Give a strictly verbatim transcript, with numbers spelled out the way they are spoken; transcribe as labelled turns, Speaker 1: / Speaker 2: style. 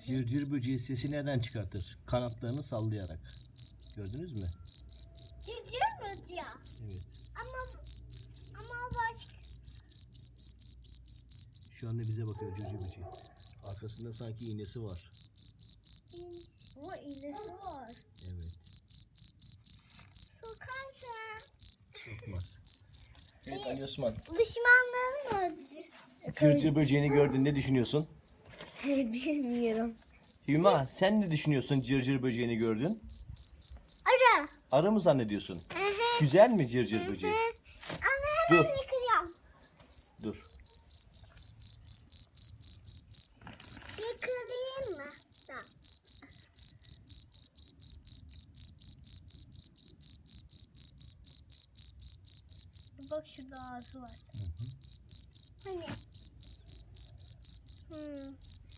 Speaker 1: Cırcır böceği sesi neden çıkartır? Kanatlarını sallayarak. Gördünüz mü?
Speaker 2: Cırcır böceği.
Speaker 1: Evet.
Speaker 2: Ama ama başka.
Speaker 1: Şu anda bize bakıyor cırcır böceği. Arkasında sanki iğnesi var.
Speaker 2: O iğnesi var.
Speaker 1: Evet.
Speaker 2: Sokarsa.
Speaker 1: Sokmaz. Evet Ali Osman.
Speaker 2: Düşmanlarım öldü.
Speaker 1: Cırcır böceğini gördün, ne düşünüyorsun?
Speaker 2: Bilmiyorum.
Speaker 1: Hüma, sen ne düşünüyorsun cırcır böceğini gördün?
Speaker 2: Ara.
Speaker 1: Arı mı zannediyorsun?
Speaker 2: Hı hı.
Speaker 1: Güzel mi cırcır böceği?
Speaker 2: Ana
Speaker 1: Dur,